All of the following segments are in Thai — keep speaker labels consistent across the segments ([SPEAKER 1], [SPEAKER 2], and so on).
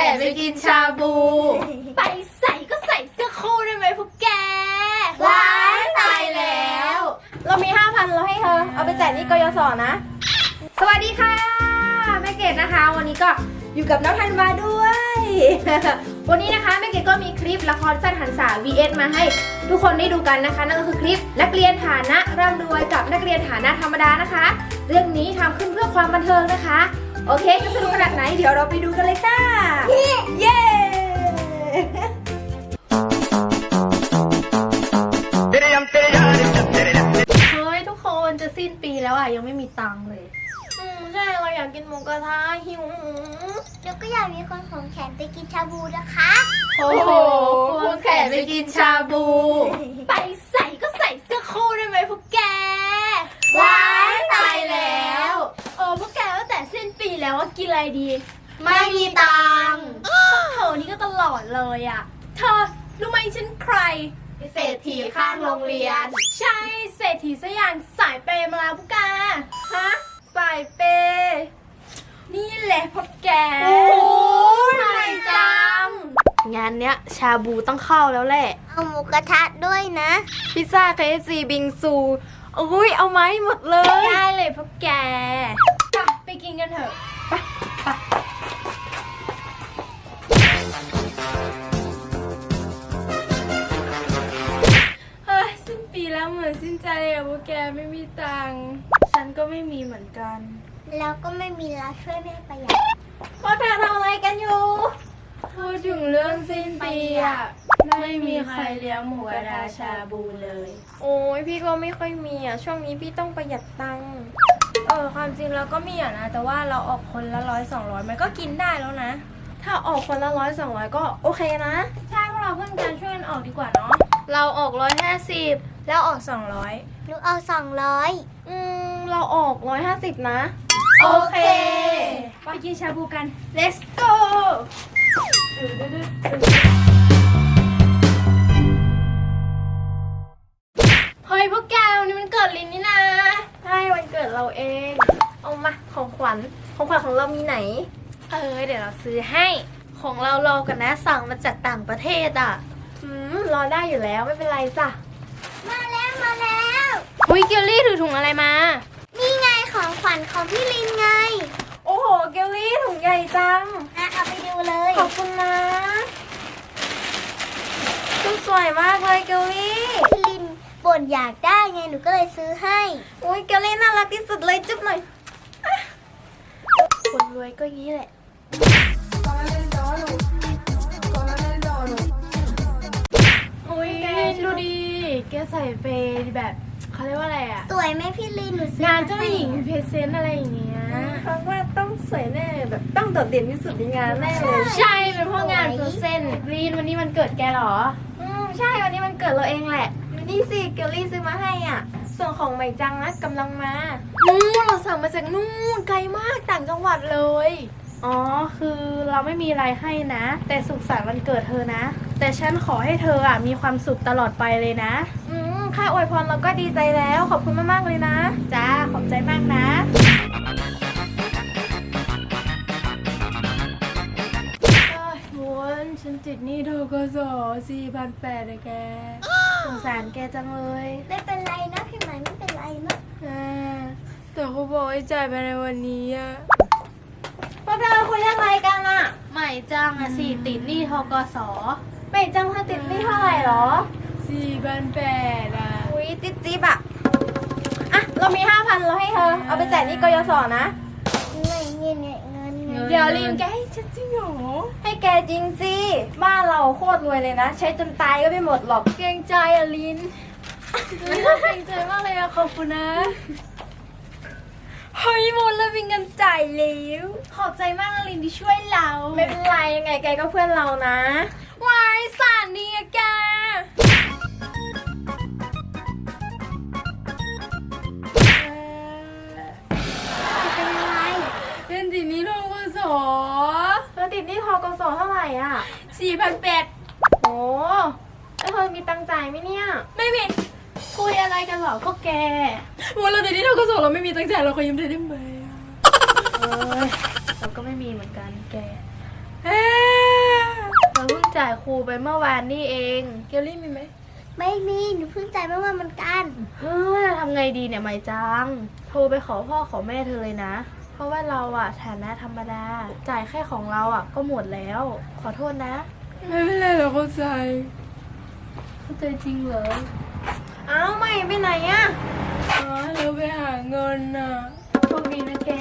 [SPEAKER 1] นไปกินชาบู
[SPEAKER 2] ไปใส่ก็ใส่เสื้อคู่ได้ไหมพวกแก
[SPEAKER 1] ว้ายตายแล้วเรามี 5,000เราให้เธอเอาไปจ่ายหนี้กยศนะสวัสดีค่ะแม่เกดนะคะวันนี้ก็อยู่กับน้องธันวาด้วย วันนี้นะคะแม่เกดก็มีคลิปละครสั้นหันษา vs มาให้ทุกคนได้ดูกันนะคะนั่นก็คือคลิปนักเรียนฐานะร่ำรวยกับนักเรียนฐานะธรรมดานะคะเรื่องนี้ทำขึ้นเพื่อความบันเทิงนะคะโอเคจะสนุกขนาดไหนเดี๋ยวเราไปดูกันเลยค่ะเย้
[SPEAKER 2] เฮ้ยทุกคนจะสิ้นปีแล้วอ่ะยังไม่มีตังค์เลย
[SPEAKER 1] ใช่เราอยากกินหมูกระทะหิว
[SPEAKER 3] แล้วก็อยากมีคนของแขนไปกินชาบูนะคะ
[SPEAKER 1] โอ้โหควงแขนไปกินชาบู
[SPEAKER 2] ไปใส่ก็ใส่เสื้อคู่ได้ไหมพวกแก
[SPEAKER 1] ว้ายตายแล้ว
[SPEAKER 2] พวกแกตั้งแต่สิ้นปีแล้วว่ากินอะไรดี
[SPEAKER 1] ไม่มีตังค์
[SPEAKER 2] เธอนี่ก็ตลอดเลยอ่ะเธอรู้ไหมฉันใคร
[SPEAKER 1] เศรษฐีข้างโรงเรียน
[SPEAKER 2] ใช่เศรษฐีสยามสายเปย์มาแล้วพวกแก
[SPEAKER 1] ฮะสายเปย์
[SPEAKER 2] นี่แหละพวกแก
[SPEAKER 1] โอ้ยใหม่จัง
[SPEAKER 2] งานเนี้ยชาบูต้องเข้าแล้วแหละ
[SPEAKER 3] เอาหมูกระทะด้วยนะ
[SPEAKER 1] พิซซ่า KFC บิงซูอุ้ยเอาไหมหมดเลย
[SPEAKER 2] ได้เลยพวกแกไปกินกันเถอะไปสิ้นปีแล้วเหมือนสิ้นใจอะพวกแกไม่มีตังค์ฉันก็ไม่มีเหมือนกัน
[SPEAKER 3] แล้วก็ไม่มีแล้วช่วยแม่ประหยัด
[SPEAKER 1] พวกเธอทำอะไรกันอยู่
[SPEAKER 2] พูดถึงเรื่องสิ้นปีอะไม่มีใครเลี้ยงหมูกระทะชาบูเลย
[SPEAKER 1] โอ้ยพี่ก็ไม่ค่อยมีอ่ะช่วงนี้พี่ต้องประหยัดตังค์ความจริงเราก็มีอ่ะนะแต่ว่าเราออกคนละ100-200มันก็กินได้แล้วนะถ้าออกคนละ100-200ก็โอเคนะ
[SPEAKER 2] ใช่พวกเราเพื่อนกันช่วยกันออกดีกว่าเนาะ
[SPEAKER 1] เราออก150แล้วออก200
[SPEAKER 3] หนูเอา200
[SPEAKER 1] เราออก150นะ
[SPEAKER 2] โอเคไปกินชาบูกัน
[SPEAKER 1] let's go
[SPEAKER 2] เฮ้ยพวกแกวันนี้มันเกิดลินนี่นะ
[SPEAKER 1] ใช่วันเกิดเราเองเอามาของขวัญของเรามีไหน
[SPEAKER 2] เดี๋ยวเราซื้อให้ของเรารอกันนะสั่งมาจากต่างประเทศอ่ะ
[SPEAKER 1] รอได้อยู่แล้วไม่เป็นไรจ้ะ
[SPEAKER 3] มาแล้ว
[SPEAKER 2] อุ้ยเกลลี่ถือถุงอะไรมา
[SPEAKER 3] นี่ไงของขวัญของพี่ลินไง
[SPEAKER 1] โอ้โหเกลลี่ถุงใหญ่จัง
[SPEAKER 3] เอาไปดูเลย
[SPEAKER 1] ขอบคุณนะชุดสวยมากเลยเกลลี่
[SPEAKER 3] พี่ลินบ่นอยากได้ไงหนูก็เลยซื้อให้
[SPEAKER 1] อุ้ยเกลลี่น่ารักที่สุดเลยจุ๊บหน่อย
[SPEAKER 2] คนรวยก็งี้แหละอุ้ยดูดิแกใส่เฟย์แบบเขาเรียกว่าอะไรอ่ะ
[SPEAKER 3] สวยไหมพี่ลินหนู
[SPEAKER 2] งานเจ้าหญิงเพรสเซนต์อะไรอย่างเงี้ย
[SPEAKER 1] ฟังว่าต้องสวยแน่แบบต้องโดดเด่นที่สุดในงานแน่เลย
[SPEAKER 2] ใช่เป็นพวกงานเพรสเซนต์ลีนวันนี้มันเกิดแกเหรอ
[SPEAKER 1] ใช่วันนี้มันเกิดเราเองแหละนี่สิเกลลี่ซื้อมาให้อ่ะส่วนของใหม่จังนะกำลังมา
[SPEAKER 2] เราสั่งมาจากนู่นไกลมากต่างจังหวัดเลยอ๋อคือเราไม่มีอะไรให้นะแต่สุขสันต์วันเกิดเธอนะแต่ฉันขอให้เธออ่ะมีความสุขตลอดไปเลยนะ
[SPEAKER 1] ค่าอวยพรเราก็ดีใจแล้วขอบคุณมากๆเลยนะ
[SPEAKER 2] จ้าขอบใจมากนะวนฉันติดหนี้ธกส4,800เลยแกสงสารแกจังเลย
[SPEAKER 3] ไม่เป็นไรนะพี่ใหม่ไม่เป็นไรนะ
[SPEAKER 2] แต่เขาบอกให้จ่ายไปในวันนี้อะ
[SPEAKER 1] พวกเธอคุยอะไรกันอะ
[SPEAKER 2] ใหม่จังอะติดหนี้ธกส
[SPEAKER 1] ใหม่จังเธอติดหนี้เท่าไหร่หรอ
[SPEAKER 2] 4,800อะ
[SPEAKER 1] อุ้ยจิ๊บอะเรามี 5,000เราให้เธอเอาไปจ่ายหนี้กยศนะ
[SPEAKER 3] ไม่เงิน
[SPEAKER 2] เดี๋ยวลินแกให้ฉันจริงเหรอ
[SPEAKER 1] ให้แกจริงสิบ้านเราโคตรรวยเลยนะใช้จนตายก็ไม่หมดหรอก
[SPEAKER 2] เกรงใจอะลินเกรงใจมากเลยอะขอบคุณนะ
[SPEAKER 1] เฮ้ยหมดแล้วมีเงินจ่ายแล้ว
[SPEAKER 2] ขอบใจมากนะลินที่ช่วยเรา
[SPEAKER 1] ไม่เป็นไรยังไงแกก็เพื่อนเรานะ
[SPEAKER 2] วายสารดีอะแก
[SPEAKER 3] เป็นไร
[SPEAKER 2] ติดหนี้ธกส
[SPEAKER 1] เธอติดหนี้ธกสเท่าไหร่อ่ะ
[SPEAKER 2] 4,800
[SPEAKER 1] โอ้แล้วเธอมีตังค์จ่ายไหมเนี่ย
[SPEAKER 2] ไม่มีคุยอะไรกันหรอก็แก
[SPEAKER 1] วันเราติดหนี้ธกสเราไม่มีตังค์จ่ายเราขอยืมเธอได้ไหม
[SPEAKER 2] เราก็ไม่มีเหมือนกันแกายครูไปเมื่อวานนี่เองเกลลี่มีไหม
[SPEAKER 3] ไม่มีหนูเพิ่งจ่ายเมื่อวานเหมือนกัน
[SPEAKER 2] เฮ้ยทำไงดีเนี่ยไม่จังโทรไปขอพ่อขอแม่เธอเลยนะ เพราะว่าเราอะฐานะธรรมดาจ่ายแค่ของเราอะก็หมดแล้ว ขอโทษนะ
[SPEAKER 4] ไม่เป็นไรเราเข้าใจ
[SPEAKER 2] เข้าใจจริงเหรอ
[SPEAKER 1] เอ้าไม่ไปไหนอะ
[SPEAKER 4] เราไปหาเงินน่ะ
[SPEAKER 2] โชคดีนะแก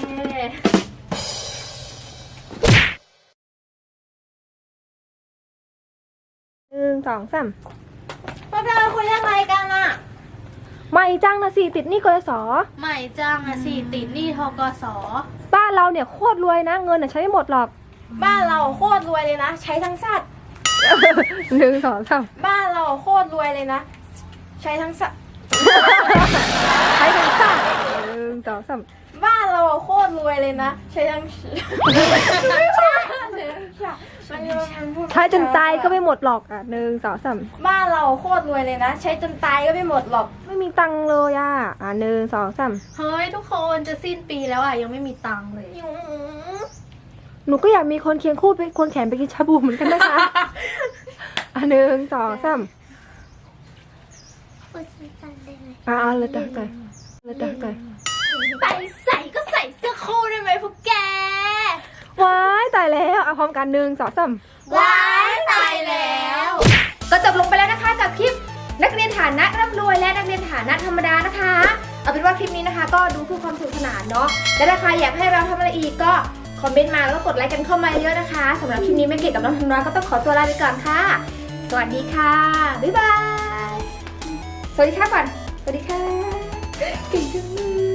[SPEAKER 1] 1 2 3 พวกเธอคุยเรื่องอะไรกันอะ
[SPEAKER 5] ไม่จ้างนะสิติดหนี้กยศ
[SPEAKER 2] ใหม่จังอะสิติดหนี้ทกส
[SPEAKER 5] บ้านเราเนี่ยโคตรรวยนะเงินน่ะใช้ไม่หมดหรอก
[SPEAKER 1] บ้านเราโคตรรวยเลยนะ ใช้ทั้งสัตว์
[SPEAKER 5] 1 2 3
[SPEAKER 1] บ้านเราโคตรรวยเลยนะ ใช้ทั้งสัตว์
[SPEAKER 5] ใช้กันค่ะ1 2 3
[SPEAKER 1] บ้านเราโคตรรวยเลยนะ ใช้ทั้ง
[SPEAKER 5] ใช้จนตายก็ไม่หมดหรอกอ่ะ1 2 3
[SPEAKER 1] บ้านเราโคตรรวยเลยนะ ใช้จนตายก็ไม่หมดหรอก
[SPEAKER 5] ไม่มีตังค์เลยอ่ะ1 2 3
[SPEAKER 2] เฮ้ยทุกคนจะสิ้นปีแล้วอะยังไม่มีตังค์เลย
[SPEAKER 5] หนูก็อยากมีคนเคียงคู่เป็นคนแขนไปกินชาบูเหมือนกันนะคะ1 2 3
[SPEAKER 3] พูดสั้นๆได้ไหม
[SPEAKER 5] เลยตักใจเลยตักใจ
[SPEAKER 2] ไปใส่ก็ใส่เสื้อคู่ได้ไหมพวกแก
[SPEAKER 5] ว้ายตายแล้วเอาพร้อมกัน1 2 3
[SPEAKER 1] ว้ายตายแล้ว
[SPEAKER 5] ก็จบลงไปแล้วนะคะกับคลิปนักเรียนฐานะร่ำรวยและนักเรียนฐานะธรรมดานะคะ เอาเป็นว่าคลิปนี้นะคะ ก็ดูเพื่อความสนุกสนานเนาะและถ้าใครอยากให้เราทำอะไรอีกก็คอมเมนต์มาแล้วก็กดไลค์กันเข้ามาเยอะนะคะสำหรับคลิปนี้แม่เกดกับน้องธันวาก็ต้องขอตัวลาไปก่อนค่ะ สวัสดีค่ะบ๊ายบายสวัสดีค่ะก่อนสวัสดีค่ะเก่งจังเลย